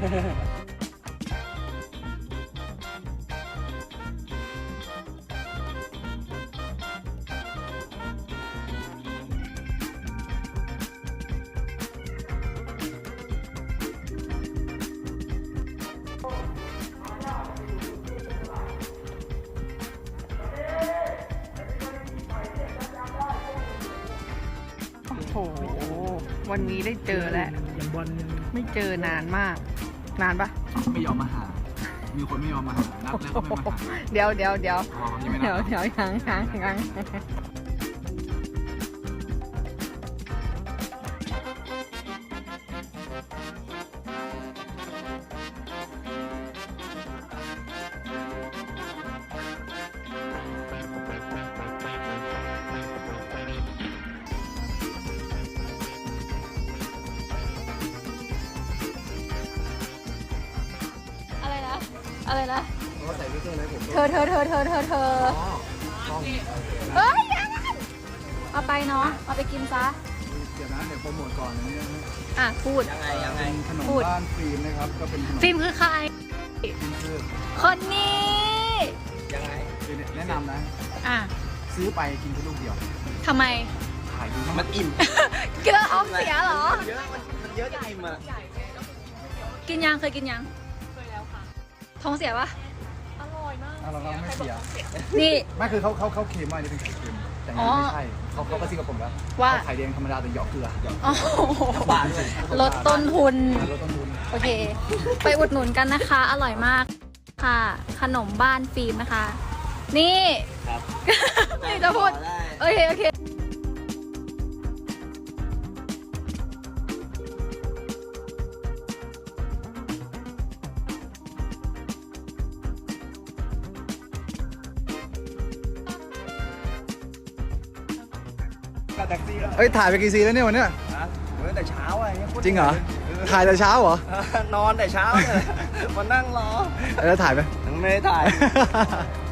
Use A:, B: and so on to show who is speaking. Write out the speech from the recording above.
A: โอ้โหวันนี้ได้เจอแล้วไม่เจอนานมาก นานปะ
B: ไม่ยอมมาหา มีคนไม่ยอมมาหา นัดแล้วก็ไม่มาหา
A: เดี๋ยว
B: อ๋อยังไม่นัด
A: ยัง
C: อะไรนะ
B: เขาใส่วิกเกอร์เลยผม
C: เธอเอ้ยยังเอาไปเนาะเอาไปกินซะ
B: เดี๋ยวนะเดี๋ยวโปรโมทก่อนนะเนี่ย
C: อ่ะพูด
B: ยังไงเป็นขนม
C: พูด
B: บ้านฟิล์มนะครับ ก็เป็นขนม
C: ฟิล์มคือใคร
B: คือ
C: คนนี้
B: ยังไงคือแนะนำนะ
C: อ่ะ
B: ซื้อไปกินแค่ลูกเดียว
C: ทำไม
B: ขายดีมากมันอิ่ม
C: กินแล้วท้องเสียเหรอ
B: เยอะมันเยอะจะอิ่มอ่ะ
C: กินยังเคยกินยังเคยแล้วค่ะท้องเสียปะ
B: เราไม่เสีย
C: นี่
B: ไม่คือเขาเค็มมากนี่เป็นไข่เค็มแต่นี่ไม่ใช่เขาก็ซิกกับผมแล้ว
C: ว่า
B: ไข่แดงธรรมดาแต่หยอกเกลือ
C: โอ้โหลดต้นทุน
B: ลดต้นทุน
C: โอเค ไปอุดหนุนกันนะคะ อร่อยมากค่ะ ขนมบ้านฟิล์มนะคะ นี่
D: ครับ
C: นี่จะพูด โอเค
D: แท็กซี่แล้ว
B: เอ้ยถ่ายไปกี่ซีแล้วเนี่ยวันเนี้ย
D: ตั้งแต่เช้าอะไรเงี้ย
B: จริงเหรอ ถ่ายแต่เช้าเหรอ
D: นอนแต่เช้าเลยมานั่งรอ
B: แล้วถ่ายไหม
D: ยังไม่ได้ถ่าย